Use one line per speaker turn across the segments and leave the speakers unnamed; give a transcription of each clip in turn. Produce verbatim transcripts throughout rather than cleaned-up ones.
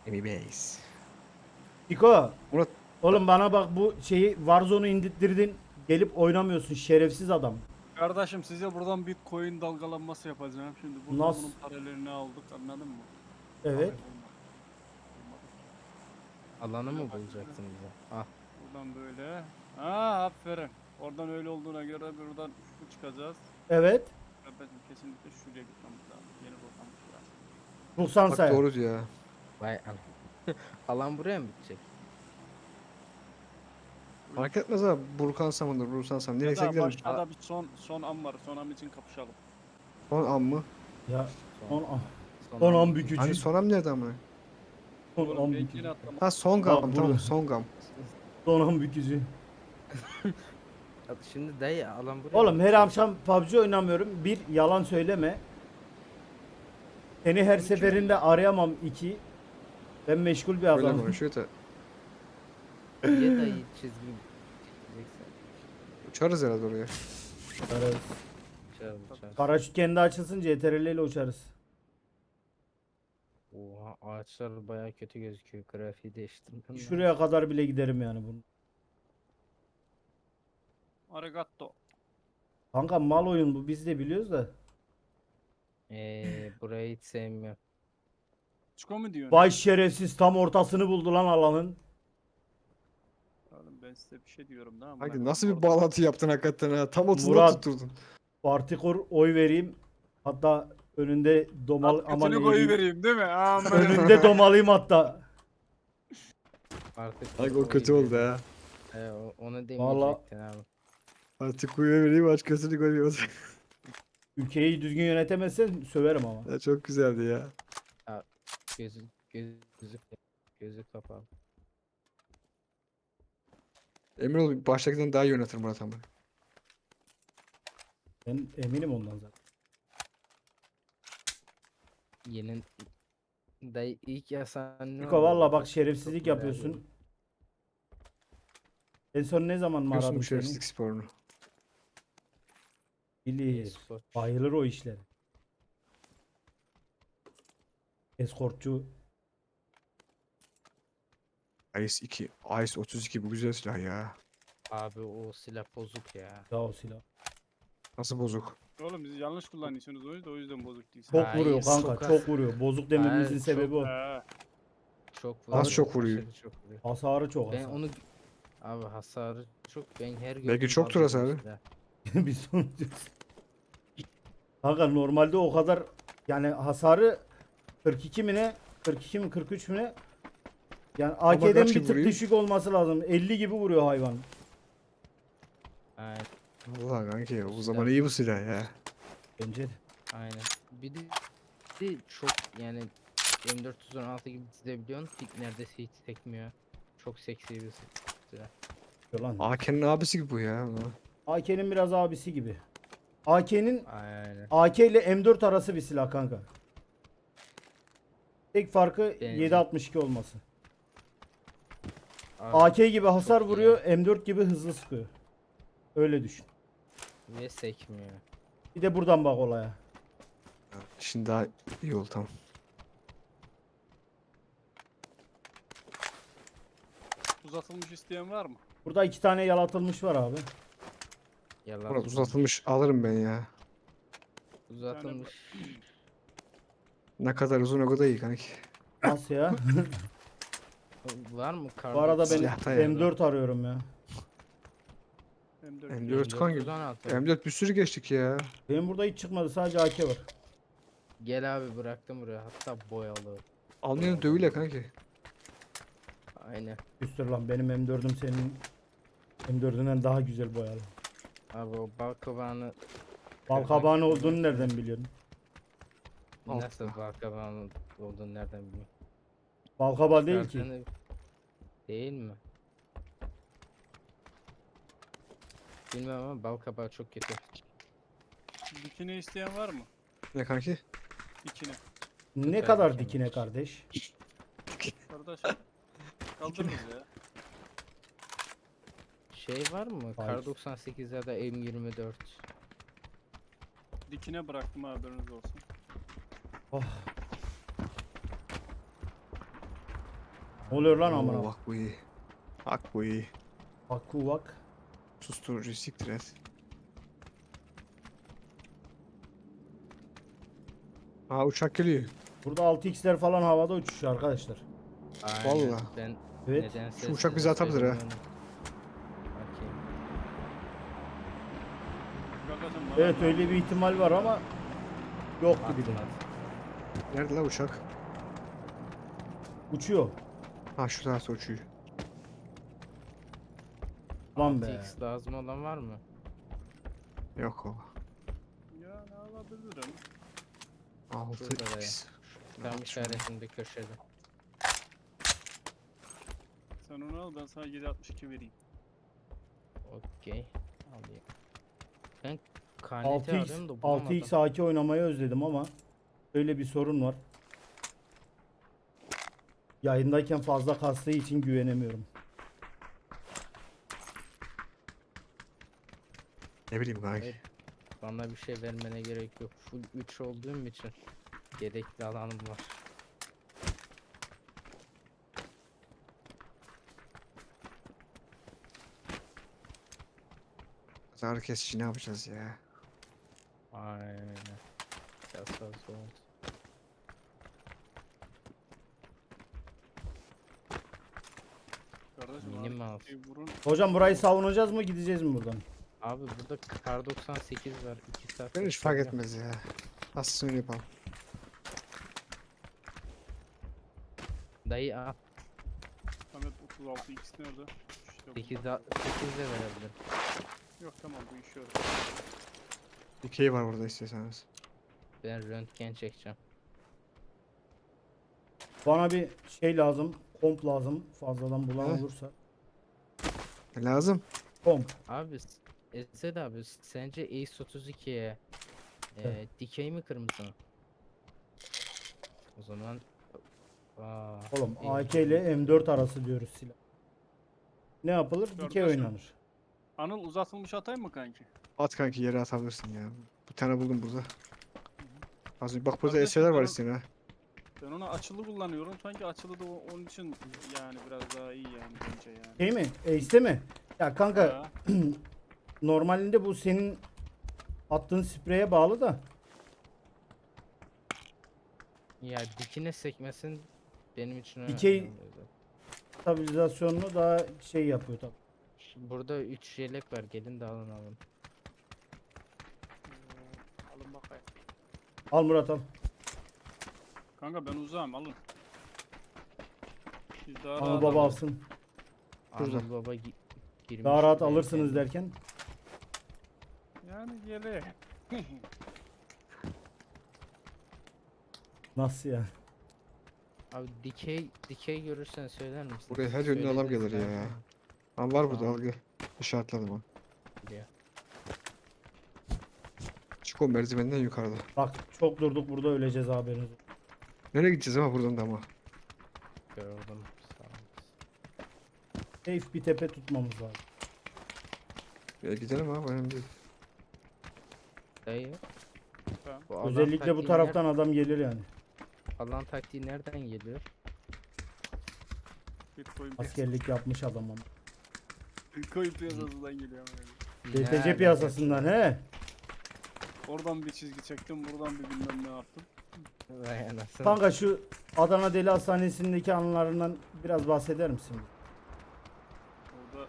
Emi Base.
Diko.
Murat
Oğlum bana bak bu şeyi Warzone'u indirttirdin. Gelip oynamıyorsun şerefsiz adam.
Kardeşim size buradan Bitcoin dalgalanması yapacağım. Şimdi buradan
Nasıl?
bunun paralelini aldık, anladın mı?
Evet.
Hayır, olmadı. Olmadı.
Alanı mı
Böyle bak,
bulacaksın bize? Ah.
Buradan böyle. Ha, aferin. Oradan öyle olduğuna göre buradan şu çıkacağız.
Evet.
Kardeşim kesinlikle şuraya gitmemiz lazım. Yeni rotamız burası.
Bulsan
bak
say.
doğru diyor ya.
Vay an. Alan buraya mı bitecek?
Fark etmez abi. Burkansam olur, Bursansam.
Ya
Nereyse
da
gidelim.
başta bir son son an var. Son an için kapışalım.
Son an mı?
Ya
Son,
on an.
son
Son
an
an
bitecek.
bükücü.
Hani son an nerede amına?
Son
Oğlum
an
ben
bükücü.
yine atlamak.
Ha son
Bak
gam
burada.
tamam son gam.
Son an bükücü.
Ya Şimdi dayı alan buraya
Oğlum
mı
her
bitecek?
akşam P U B G oynamıyorum. Bir yalan söyleme. Seni her seferinde arayamam. İki. Ben meşgul bir
Böyle
adamım.
konuşuyor da.
Niye dayı çizgi çizeceksen?
Uçarız herhalde oraya.
Uçarız.
Uçarız uçarız.
Paraşüt kendi açılsın C T R L ile uçarız.
Oha ağaçlar baya kötü gözüküyor. Grafiği değiştirmem lazım.
Şuraya kadar bile giderim yani bunu.
Arigato.
Kanka mal oyun bu, biz de biliyoruz da.
Eee burayı hiç sevmiyorum.
Çiko mu diyorsun?
Vay şerefsiz, tam ortasını buldu lan alanın.
Oğlum ben size bir şey diyorum da.
Hadi nasıl bir bağlantı yaptın hakikaten ha? Tam otuzda
Murat.
tutturdun.
Partikur oy vereyim. Hatta önünde domal aman
Götünü koyu
eğileyim.
vereyim değil mi? Aman.
Önünde domalıyım hatta.
Artık
Ay o kötü oldu ha.
He, o- onu
Vallahi-
demeyecektin abi.
Artık kuyuya vereyim aç gözünü koyuyor.
Ülkeyi düzgün yönetemezsen söverim ama.
Ya çok güzeldi ya.
Gözü gözü gözü, gözü kapalı.
Emin ol baştakinden daha iyi yönetir Murat ama.
Ben eminim ondan zaten.
Yeni dayı ilk yasan ne
Niko
oldu
valla
burada?
bak şerefsizlik
Çok merak
yapıyorsun.
ediyorum.
En son ne zaman mı
Biliyorsun
aradım
bu
seni?
şerefsizlik sporunu.
Bilir.
E-spor.
Bayılır o işlere. Eskortçu.
Ice iki. Ice otuz iki bu güzel silah ya.
Abi o silah bozuk ya.
Ya o silah.
Nasıl bozuk?
Oğlum siz yanlış kullanıyorsunuz o yüzden, o yüzden bozuk değilsin.
Çok
Hayır,
vuruyor kanka,
çok
çok,
az.
vuruyor. Bozuk dememizin
Hayır,
sebebi o.
He.
Çok
Az
vuruyor,
çok vuruyor.
aşırı çok vuruyor.
Hasarı çok
Ben
hasar.
onu abi hasarı çok ben her
Belki
gördüğümde
çoktur
alıyorum
hasarı.
silah.
Biz sonucuz. Kanka normalde o kadar yani hasarı kırk iki mi ne? kırk iki mi kırk üç mü ne? Yani A K'den
kaç
bir
gibi
tık
vuruyor?
düşük olması lazım. elli gibi vuruyor hayvan.
Aynen,
Allah kanki o
silah.
zaman iyi bu silah ya.
Bence de.
aynen. Bir de, bir de çok yani M dört yüz on altı gibi dizebiliyorsun. Pik neredeyse hiç sekmiyor. Çok seksi bir silah.
Lan.
A K'nin abisi gibi bu ya.
A K'nin biraz abisi gibi. A K'nin
Aynen.
A K ile M dört arası bir silah kanka. Tek farkı
Benziyor.
yedi altmış iki olması.
Abi,
A K gibi hasar
çok iyi
vuruyor, M dört gibi hızlı sıkıyor. Öyle düşün.
ve sekmiyor.
Bir de buradan bak olaya.
Şimdi daha iyi oldu tamam.
Uzatılmış isteyen var mı?
Burada iki tane yalatılmış var abi.
Yalan.
Murat uzatılmış alırım ben ya.
Uzatılmış.
Ne kadar uzun o kadar iyi kanki.
Nasıl ya?
Var mı?
Bu arada ben
Silahta ya.
M dört arıyorum ya.
M dört.
M dört kanki.
M dört.
M dört bir sürü geçtik ya.
Benim burada hiç çıkmadı, sadece A K var.
Gel abi bıraktım buraya. Hatta boyalı.
Almayanı dövüyle kanki.
Aynen.
Üstür lan, benim M dördüm senin M dördünden daha güzel boyalı.
Abi o bal kabağını
Bal kabağın olduğunu nereden biliyorsun?
Altta.
nasıl bal kabağının olduğunu nereden bileyim?
Bal kabağı değil ki.
Çıkartığını- Değil mi? Bilmem ama bal kabağı çok kötü.
Dikine isteyen var mı?
Ne kanki?
Dikine.
Ne
Süper
kadar
mükemmel.
dikine kardeş?
Kardeşim. Kaldırırız ya.
Şey var mı?
Hayır.
Kar doksan sekiz ya da M yirmi dört.
Dikine bıraktım, haberiniz olsun.
Oh. Ne oluyor lan
Oo,
amına?
bak bu iyi. Bak bu iyi.
Bak kuvak.
Susturucu siktir et. Aa uçak geliyor.
Burada altı x'ler falan havada uçuşuyor arkadaşlar.
Aynen.
Vallahi.
Ben
Evet.
nedense
Şu uçak
size
bizi atabilir ha.
söylemiyorum. Bakayım.
Bakacağım bana
Evet
ne
öyle bir
yapıyor.
ihtimal var ama yok gibi de.
Atmadı.
Nerede la uçak?
Uçuyor.
Ha şu tarafta uçuyor.
Lan be.
altı x lazım olan var mı?
Yok o.
Ya ne alabilirim?
altı
Şurada da ya.
x.
Tam işaretinde köşede.
Sen onu al ben sana yedi altmış iki vereyim.
Okey. Alayım. Ben K N T
altı x
arıyorum da
altı
bulamadım.
x A K oynamayı özledim ama öyle bir sorun var. Yayındayken fazla kastığı için güvenemiyorum.
Ne bileyim kanki.
Evet. Bana bir şey vermene gerek yok. Full üç olduğum için gerekli alanım var.
Ağrı kesici ne yapacağız ya?
Aynen. Biraz fazla oldu.
Kardeşim
Minim
abi,
mouse.
şey vurun.
Hocam burayı savunacağız mı gideceğiz mi buradan?
Abi burada kar doksan sekiz var. iki saat.
Ben hiç fark
bekliyorum.
etmez ya. Aslında öyle yapalım.
Dayı al.
Ahmet otuz altı x nerede? İşte bu.
sekiz de verebilirim.
Yok tamam bu iş yok.
Dikey var burada istiyorsanız.
Ben röntgen çekeceğim.
Bana bir şey lazım. Komp lazım. Fazladan bulan
He.
olursa.
E, lazım.
Komp.
Abi s- Esed abi sence Ace otuz ikiye e,
Evet.
dikey mi kırmızı mı? O zaman Aa,
Oğlum
iyi.
A K ile M dört arası diyoruz silah. Ne yapılır? Dikey
Kardeşim.
oynanır.
Anıl uzatılmış atayım mı kanki?
At kanki yere atabilirsin ya. Bir tane buldum burada. Az önce bak burada
Kardeşim,
eserler var
ben-
isteyen ha.
Ben onu açılı kullanıyorum. Sanki açılı da o- onun için yani biraz daha iyi yani bence yani.
Şey mi? Ace'de mi? Ya kanka
Ha,
normalinde bu senin attığın spreye bağlı da.
Ya dikine sekmesin benim için önemli.
Dikey-
oluyor zaten.
Stabilizasyonunu daha şey yapıyor tabii.
Şimdi burada üç yelek var. Gelin de alın alın.
Ee, alın bakayım.
Al Murat al.
Kanka ben uzağım alın. Biz daha
Anıl
rahat
baba
alırız.
alsın.
Burada.
Anıl baba gi- girmiş.
Daha rahat
benim
alırsınız
kendim-
derken.
Yani yere.
Nasıl ya?
Abi dikey dikey görürsen söyler misin?
Buraya her yönden adam
Söylediniz
gelir ya.
galiba.
Lan var burada
Tamam.
al gel. İşaretledim onu.
Biliyor.
Çık o merdivenden yukarıda.
Bak çok durduk burada öleceğiz haberiniz olsun.
Nereye gideceğiz ama buradan da ama.
Gördüm. Sağ ol.
Safe bir tepe tutmamız lazım.
Ya gidelim abi önemli değil.
Dayı.
Tamam.
Bu alan
Özellikle bu
taktiği
taraftan adam gelir yani.
ner- alan taktiği nereden geliyor?
Bitcoin,
Askerlik yapmış adam ama.
Bitcoin piyasasından geliyor. ama yani.
D T C
Nereden
piyasasından he.
Oradan bir çizgi çektim, buradan bir bilmem ne yaptım.
geliyor? Vay anasını.
Kanka şu Adana Deli Hastanesi'ndeki anılarından biraz bahseder misin?
Orada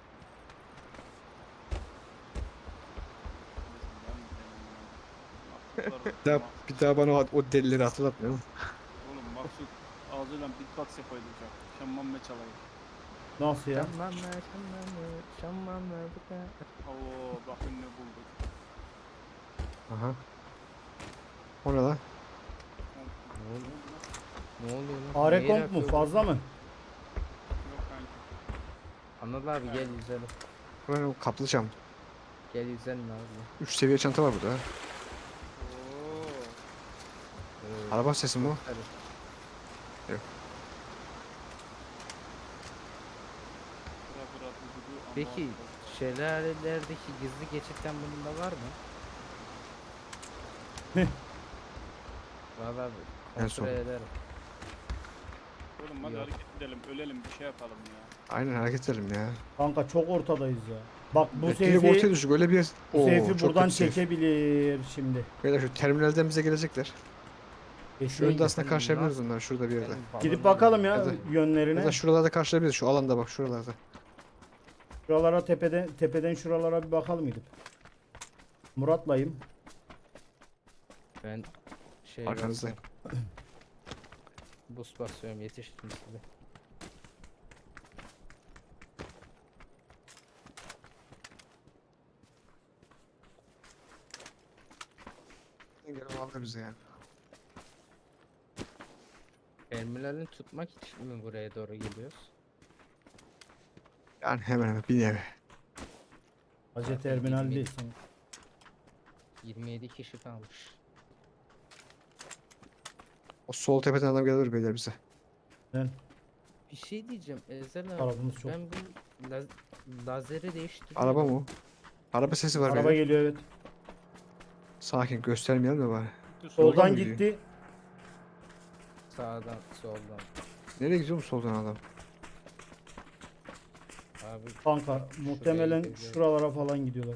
Bir daha, bir daha bana o, o delileri hatırlatmayalım.
Oğlum Maksut ağzıyla beatbox yapaydı uçak. Şamman me çalaydı.
Nasıl ya?
Şamman mı şamman mı şamman mı bu da.
Oo bakın ne bulduk.
Aha. O ne lan?
Ne oluyor? Ne oluyor lan?
A R
Neye
komp mu?
yapıyor bu?
Fazla mı?
Yok kanki.
Anıl abi gel yüzelim.
Bu ne o kaplı cam.
Gel yüzelim abi.
Üç seviye çanta var burada ha.
Oo.
Ee,
Araba sesi mi o?
hadi.
Bıra bıra dudu du, ama
Peki
Allah.
şelalelerdeki gizli geçitten bunun da var mı?
Ne?
Valla
En son.
kontrol ederim.
Oğlum hadi
Yok.
hareket edelim, ölelim, bir şey yapalım ya.
Aynen hareket edelim ya.
Kanka çok ortadayız ya. Bak bu
Evet, direkt ortaya
seyfi,
düştük öyle bir...
bu
Oo,
seyfi
çok
buradan
kötü safe.
çekebilir şimdi.
Beyler şu terminalden bize gelecekler. Şu
Geçiyor.
önde aslında
sen
karşılayabiliriz
nasıl-
onları şurada bir yerde.
Sen
Gidip
balonu
bakalım ya
Ya da-
yönlerine.
Ya da şuralarda karşılayabiliriz şu alanda bak şuralarda.
Şuralara tepeden tepeden şuralara bir bakalım gidip. Murat'layım.
Ben şey
Arkanızdayım.
basıyorum. Boost basıyorum, yetiştim size.
Gelin aldı bize yani.
Terminalini tutmak için mi buraya doğru geliyoruz?
Yani hemen hemen bir nevi.
Hacı
Zaten
terminal
yirmi-
değil. Sen-
yirmi yedi kişi kalmış.
O sol tepeden adam gelir beyler bize.
Ben
Bir şey diyeceğim Ezel abi.
arabamız çok.
Ben bu laz lazeri değiştirdim.
Araba mı o? Araba sesi var
Araba
beyler.
geliyor evet.
Sakin göstermeyelim de bari.
Dur,
Soldan
Soldan
mı gidiyor?
gitti.
Sağdan, soldan.
Nereye gidiyor mu soldan adam?
Abi
Kanka muhtemelen
gidiyor.
şuralara falan gidiyorlar.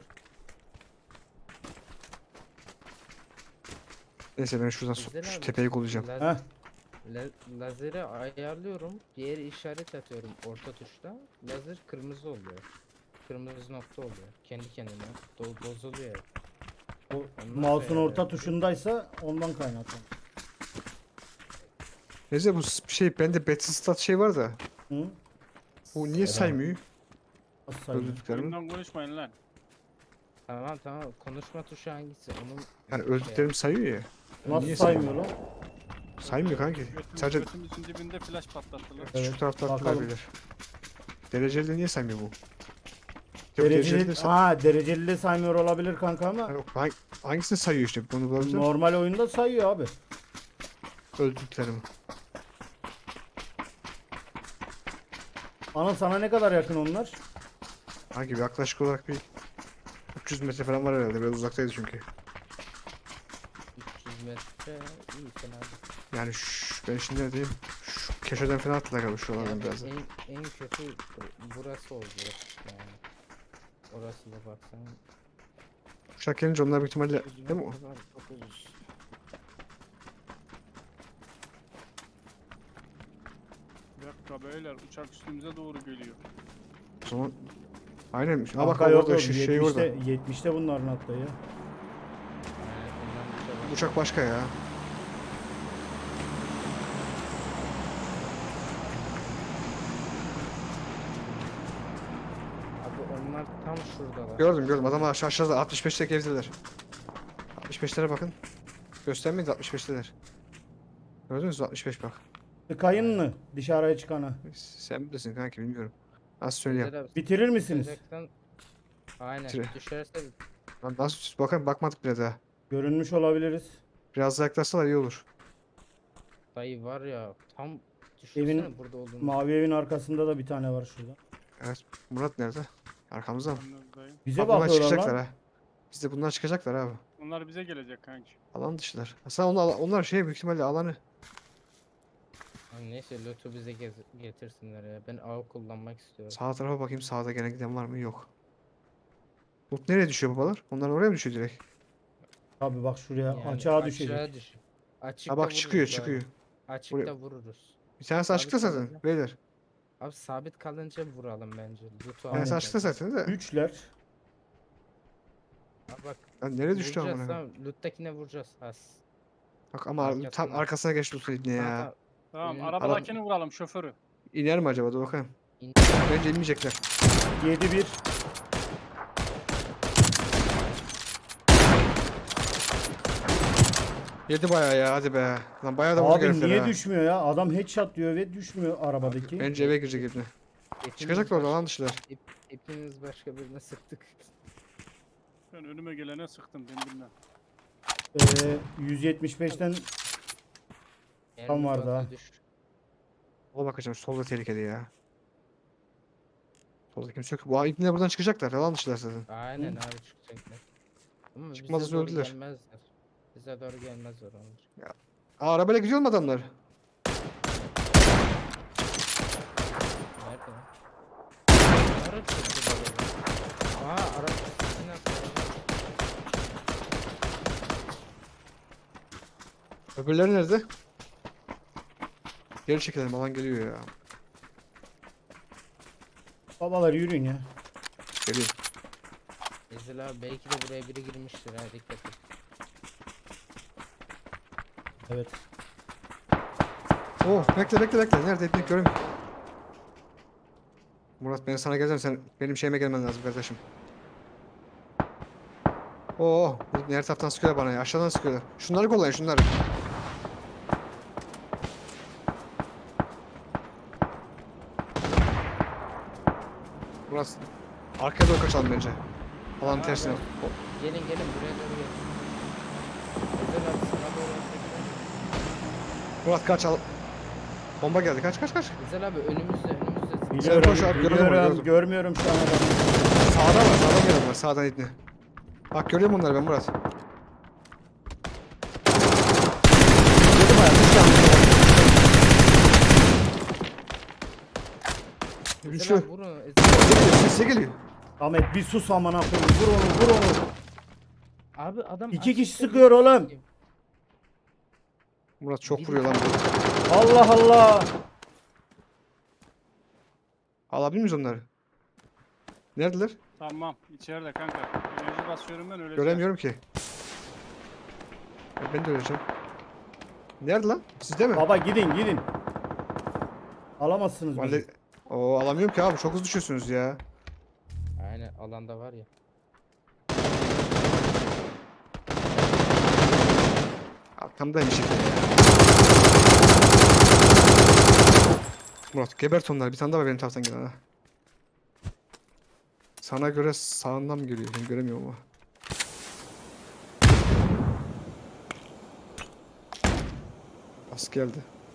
Neyse ben şuradan so-
Ezel
şu
abi,
tepeyi kollayacağım.
laz-
Heh.
la- lazeri ayarlıyorum. Diğer işaret atıyorum orta tuşta. Lazer kırmızı oluyor. Kırmızı nokta oluyor. Kendi kendine do- bozuluyor.
O
Ondan
mouse'un
sonra
orta
yani.
tuşundaysa ondan kaynaklı.
Neyse bu s- şey bende Battle Stat şey var da.
Hı?
Bu niye saymıyor?
Nasıl sayılır?
Öldürdüklerimi.
oyundan konuşmayın lan.
Tamam tamam, konuşma tuşu hangisi? Onun
Yani
şey-
öldüklerimi sayıyor ya.
Nasıl
Niye
saymıyor lan?
Saymıyor kanki.
Götümüz,
Sadece
götümüzün dibinde flash patlattılar.
Evet,
şu tarafta attılar
bakalım.
beyler. Dereceli de niye saymıyor bu? Yok, dereceli de
Dereceli,
say-
ha dereceli de saymıyor olabilir kanka ama
Ha, yok, hang- hangisini sayıyor işte bunu bulabilir miyim?
normal oyunda sayıyor abi.
Öldüklerimi.
Ana sana ne kadar yakın onlar?
Hangi bir yaklaşık olarak bir üç yüz metre falan var herhalde. Biraz uzaktaydı çünkü.
üç yüz metre iyi fena değil.
Yani şş, ben şimdi ne diyeyim? Şu köşeden falan attılar galiba şuralardan
Yani
biraz da.
en, en kötü bur- burası oldu yani. Orası da baksan.
Uçak gelince onlar büyük ihtimalle
dokuz
değil mi o?
metre var, dokuz yüz.
Bir dakika beyler, uçak üstümüze doğru geliyor.
O zaman aynen. Ha bak
Kanka yok
orada
yok,
şey, şey orada.
yetmişte, yetmişte bunların hatta ya.
Yani ondan bir şey var.
Uçak başka ya.
Abi onlar tam şuradalar.
Gördüm gördüm. Adamlar aşağı aşağıda altmış beşte gezdiler. altmış beşlere bakın. Göstermeyin altmış beşteler. Gördünüz mü altmış beş bak.
Tıkayın mı dışarıya çıkana?
Sen bilirsin kanki bilmiyorum. Nasıl söyleyeyim?
Ezel abi,
Bitirir misiniz?
sıcaktan- Aynen
Bitire.
düşerse
Lan nasıl bakın bakmadık bile daha.
Görünmüş olabiliriz.
Biraz daha yaklaşsalar iyi olur.
dayı var ya tam düşünsene
Evin
burada olduğunu.
Mavi evin arkasında da bir tane var şurada.
Evet. Murat nerede? Arkamızda mı?
Anladım.
Bize
Bak bunlar
bakıyorlar
çıkacaklar
lan.
ha. Biz de bunlar çıkacaklar abi.
Onlar bize gelecek kanki.
Alan dışılar. Aslında onlar, onlar şey büyük ihtimalle alanı.
Abi neyse loot'u bize gez- getirsinler ya. Ben av kullanmak istiyorum.
Sağ tarafa bakayım sağda gene giden var mı? Yok. Loot nereye düşüyor babalar? Onlar oraya mı düşüyor direkt?
Abi bak şuraya
Yani
açığa düşecek.
Aşağı düş. Açıkta
Ha bak çıkıyor
vururuz abi.
çıkıyor.
Açıkta
Buraya-
vururuz.
Bir tanesi
Sabit
açıkta zaten
kalınca.
beyler.
Abi sabit kalınca vuralım bence. Loot'u
Bir tanesi
Aynen.
açıkta zaten de.
Üçler.
Abi bak
Lan nereye düştü
vuracağız
amına?
tamam. Loot'takine vuracağız. Has.
Bak ama tam
Arkasına.
arkasına geçti loot'un ibne
Tamam,
ya.
tamam.
Tamam,
Benim-
arabadakini vuralım, şoförü.
İner mi acaba? Dur bakayım.
İn-
Bence inmeyecekler.
Yedi bir.
Yedi bayağı ya hadi be. Lan bayağı da vurdu
Abi
herifler
niye
ha.
düşmüyor ya? Adam headshot diyor ve düşmüyor arabadaki.
Bence eve girecek ibne.
Hepimiz
Çıkacaklar orada
başka-
lan dışılar.
hep- Hepimiz başka birine sıktık.
Ben önüme gelene sıktım, ben bilmem.
Ee, yüz yetmiş beşten
Mermi
vardı
fazla
ha.
düş.
Sola bakacağım. Solda tehlikeli ya. Solda kimse yok. Bu ibne buradan çıkacaklar. Yalan dışılar zaten.
Aynen abi çıkacaklar. Ama
Çıkmazsa
bize doğru
öldüler.
gelmezler. Bize doğru gelmezler onlar.
Aa arabayla gidiyor mu adamlar?
ya. Araç çekti böyle. Aa araç sesini atıyor.
Öbürleri nerede? Geri çekelim, alan geliyor ya.
Babalar yürüyün ya.
Geliyor.
Ezil abi belki de buraya biri girmiştir ha dikkat et.
Evet.
Oh, bekle bekle bekle. Nerede etnik göremiyorum. Murat, ben sana geleceğim, sen benim şeyime gelmen lazım kardeşim. Oo, bu her taraftan sıkıyorlar bana ya. Aşağıdan sıkıyorlar. Şunları kollayın, şunları. Murat, arkaya doğru kaçalım bence. Alanın
Ha,
tersine.
Gelin gelin buraya doğru gelin. Ezil abi sana doğru atacak.
Murat kaç al. Bomba geldi. Kaç kaç kaç.
Ezil abi önümüzde önümüzde.
Biliyorum,
koş abi, gördüm onu,
biliyorum,
gördüm.
görmüyorum şu an adamı.
Sağdan var, sağdan geliyorlar. Sağdan itni. Bak görüyor musun onları ben Murat? Dedim ya, üç tane.
Ezil
Üçlü.
abi vurun. Ezil
Geliyor, sesle geliyor.
Ahmet bir sus amına koyayım. Vur onu, vur onu.
abi adam
İki kişi
açıkta
sıkıyor oğlum.
Murat çok
Biri
vuruyor lan.
tam-
Allah Allah.
Alabilir miyiz onları? Neredeler?
Tamam içeride kanka. Enerji basıyorum ben öyle.
Göremiyorum ki. Ya ben de öleceğim. Nerede lan? Sizde mi?
Baba gidin, gidin. Alamazsınız
Vallahi...
bizi.
Oo, alamıyorum ki abi, çok hızlı düşüyorsunuz ya.
Aynen alanda var ya.
Arkamdaymış işte. Murat gebert onları, bir tane daha var benim taraftan gelen ha. Sana göre sağından mı geliyor? Ben göremiyorum ama. Bas geldi.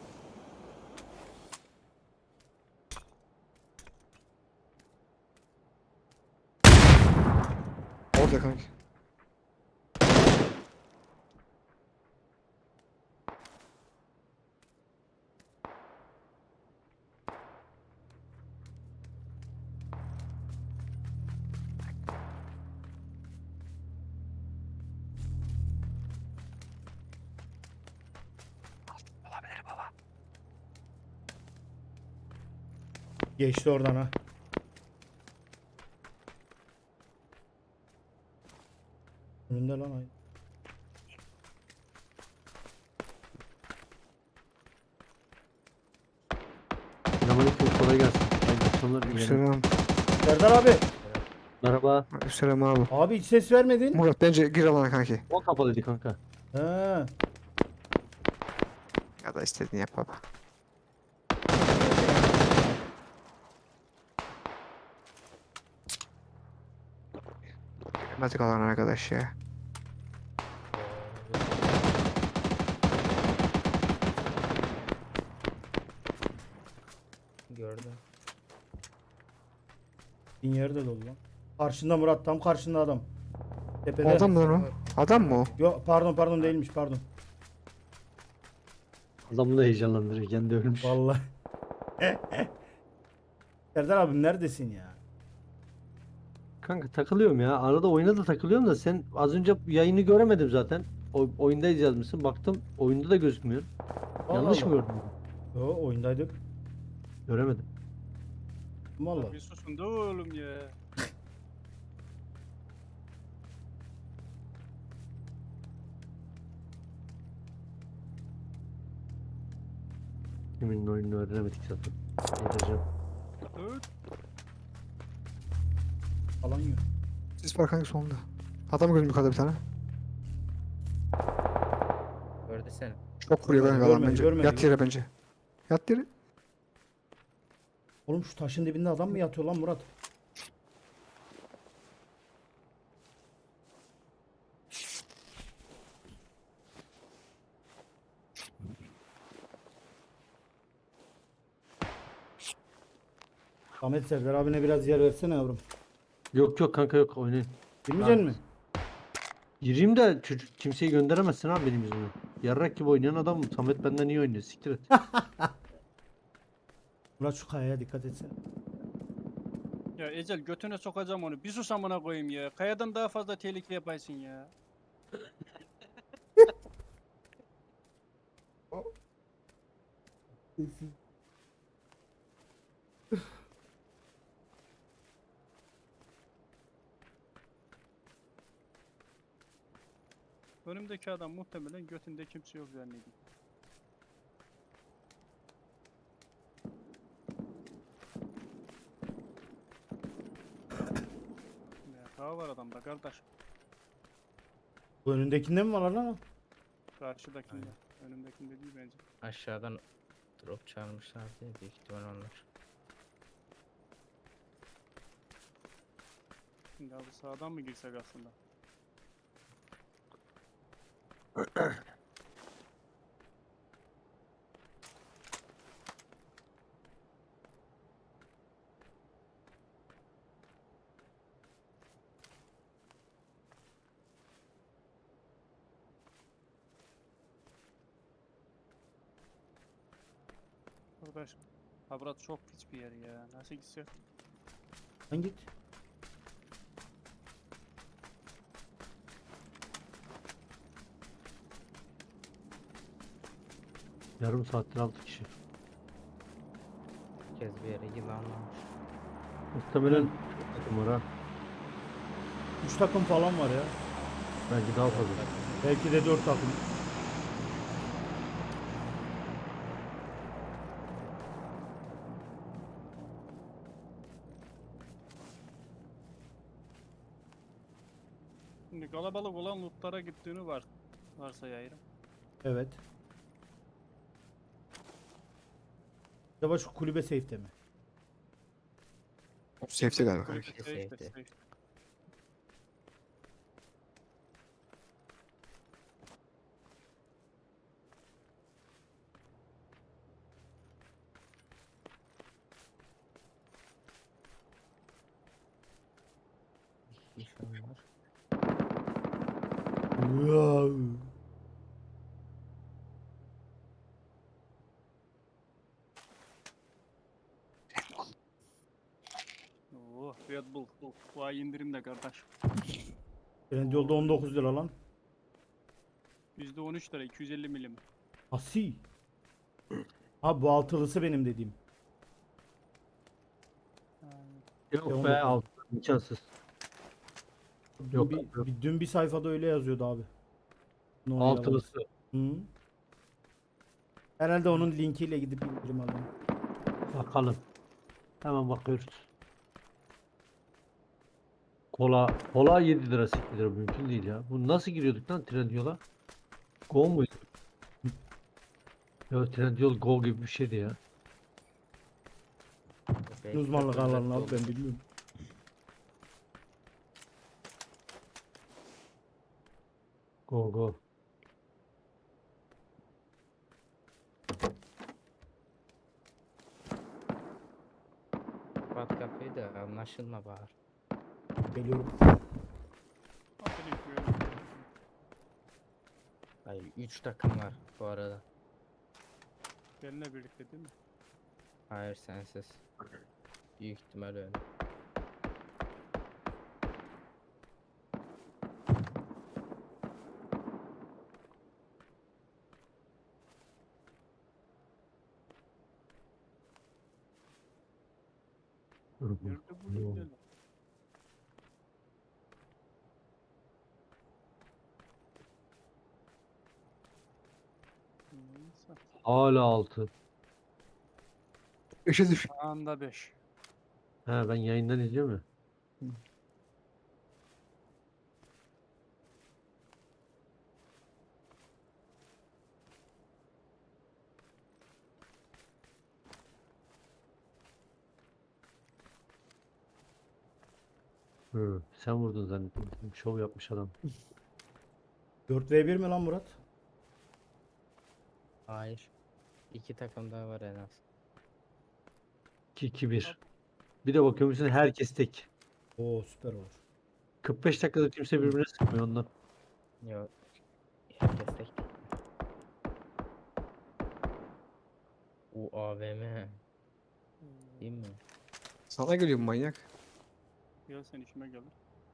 Orada kanki.
Geçti oradan ha. Önünde lan ay.
Selamünaleyküm, kolay gelsin. Hayırlı akşamlar dilerim.
Selam.
Serdar abi.
Merhaba.
Selam abi.
Abi hiç ses vermedin.
Murat bence gir alana kanki.
O kapalıydı kanka.
He.
Ya da istediğini yap baba. Giremedik alana arkadaş ya.
Gördüm.
Bin yerde dolu lan. Karşında Murat, tam karşında adam. Tepede.
Adam mı lan o? Adam mı o?
Yo, pardon pardon değilmiş, pardon.
Adamı da heyecanlandırıyor. Kendi ölmüş.
Vallahi. Serdar abim neredesin ya?
Kanka takılıyorum ya. Arada oyuna da takılıyorum da sen az önce yayını göremedim zaten. O, oyundayız yazmışsın. Baktım oyunda da gözükmüyor.
Allah
Yanlış
Allah.
mı gördüm?
Yo, oyundaydık.
Göremedim.
Vallahi.
Bir susun da oğlum ya.
Kimin oyununu öğrenemedik zaten. Edeceğim.
Dur.
Alan yok.
Sis var kanki solunda. Adam gördüm yukarıda bir tane.
Gördü seni.
Çok vuruyor
Görmedi,
kanka adam
görmedi,
bence.
görmedi.
Yat yere bence. Yat yere.
Oğlum şu taşın dibinde adam mı yatıyor lan Murat? Ahmet, Serdar abine biraz yer versene yavrum.
Yok yok kanka yok oynayın.
Girmeyecek
Ben-
mi?
Gireyim de çocuk kimseyi gönderemezsin abi benim yüzümden. Yarrak gibi oynayan adam Samet benden iyi oynuyor. Siktir et.
Murat şu kayaya dikkat etsene.
Ya Ecel götüne sokacağım onu. Bir sus amına koyayım ya. Kayadan daha fazla tehlike yapaysın ya. Önümdeki adam muhtemelen götünde kimse yok zannediyor. Ya daha var adamda kardeş.
Bu önündekinde mi var lan o?
Karşıdakinde. Önümdekinde değil bence.
Aşağıdan drop çalmışlar diye büyük ihtimal onlar.
Şimdi abi sağdan mı girsek aslında? Arkadaş, Habrat çok pis bir yer ya. Nasıl gitsek?
Sen git.
Yarım saattir altı kişi.
Herkes bir yere yılanlamış.
Muhtemelen çok takım var ha.
Üç takım falan var ya.
Belki daha fazla.
Belki de dört takım.
Şimdi kalabalık olan lootlara gittiğini var. Varsayayım.
Evet. Acaba şu kulübe safe'te mi?
Safety galiba kanki.
Safety,
Safety,
safety.
safety.
İnşallah.
Wow.
Oo, Red Bull. Bu, bu ay indirimde kardeş.
Trendyol'da on dokuz lira lan.
yüzde on üç lira iki yüz elli milim.
Asi. Ha bu altılısı benim dediğim.
Yok
on
be
dokuz.
altı. İmkansız.
Dün
Yok,
bir,
yok.
bir- dün bir sayfada öyle yazıyordu abi. No
Altılısı.
yalan. Hı. Herhalde onun linkiyle gidip indirim alalım.
Bakalım. Hemen bakıyoruz. Kola, kola yedi lira sekiz lira mümkün değil ya. Bu nasıl giriyorduk lan Trendyol'a? Go muydu? Ya Trendyol Go gibi bir şeydi ya.
Belki de
Uzmanlık
böyle
alanı abi
oldu.
ben bilmiyorum.
Go Go.
Kapat kapıyı da anlaşılma bari.
Geliyorum.
Aferin böyle.
Hayır üç takım var bu arada.
Benimle birlikte değil mi?
Hayır sensiz. Büyük ihtimal öyle.
Dur, dur.
Nerede bu
Ne oldu?
gidelim? Neyse.
Hala altı.
beşe düş.
Anda beş.
He ben yayından izliyorum ya. Hı, sen vurdun zannettim. Şov yapmış adam.
dört ve bir mi lan Murat?
Hayır. İki takım daha var en az.
iki iki bir. Bir de bakıyormuşsun herkes tek.
Oo süper olur.
kırk beş dakikada kimse birbirine sıkmıyor ondan.
Yok. Herkes tek. O A V M. Değil mi?
Sana geliyor bu manyak.
Gel sen işime gelir.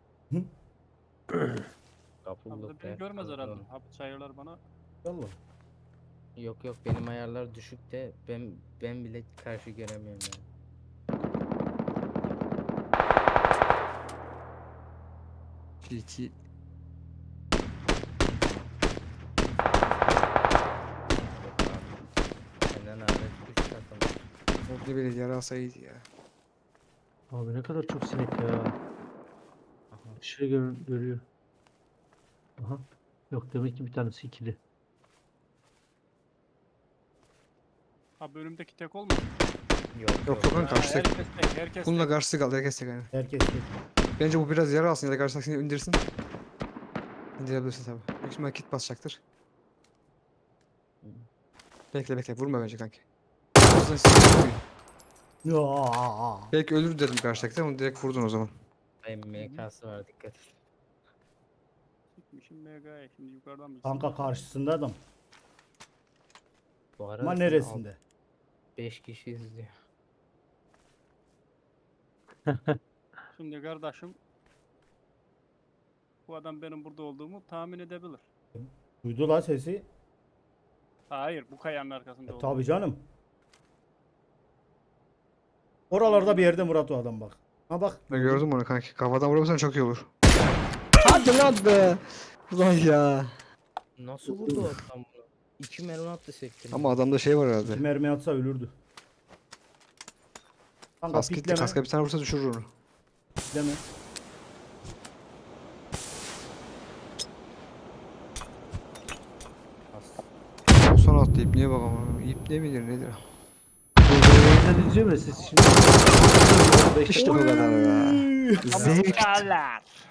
Kapı
Abi de
blok
beni
ya,
görmez
kapı
herhalde.
blok.
Abi çayırlar bana.
Allah.
Yok yok benim ayarlar düşük de ben ben bile karşı göremiyorum yani.
İki.
Yok abi. Senden hariç üç takım.
Orada bile yara alsaydı ya.
Abi ne kadar çok sinek ya.
Aha.
Şey gör görüyor. Aha. Yok demek ki bir tanesi ikili.
Abi önümdeki tek olmadı.
Yok
Yok yok lan
Ha,
karşı tek.
herkes tek. Herkes
Bununla
tek.
karşısı kaldı. Herkes tek yani.
Herkes tek.
Bence bu biraz yara alsın ya da karşıdakini indirsin. İndirebilirsin tabi. Büyük ihtimalle kit basacaktır. Bekle bekle vurma bence kanki. Hızlı hızlı vurmayın.
Ya.
Belki ölür dedim karşıdakine onu direkt vurdun o zaman.
Benim M K'sı var dikkat et.
Gitmişim M G'ye. Şimdi yukarıdan mı?
Kanka karşısında adam.
Bu arada
Ama
seni
neresinde?
beş kişi izliyor.
Şimdi kardeşim. Bu adam benim burada olduğumu tahmin edebilir.
Duydu la sesi.
Hayır, bu kayanın arkasında
E,
olduğumu.
tabii canım. Oralarda bir yerde Murat o adam bak. Ha bak.
Ben gördüm onu kanki. Kafadan vurursan çok iyi olur. Hadi lan be. Ulan ya.
Nasıl vurdu o adam bunu? İki mermi attı sektirme.
Ama adamda şey var
İki
herhalde.
mermi atsa ölürdü. Kanka
Kask gitti.
pikleme.
Kaska bir tane vursa düşürür onu.
Pikleme.
O son attı ipneye bak ama. İpne midir nedir?
Yayından izliyor mu siz şimdi? beş
İşte bu
dakika.
kadar be.
Oy!
Zevk.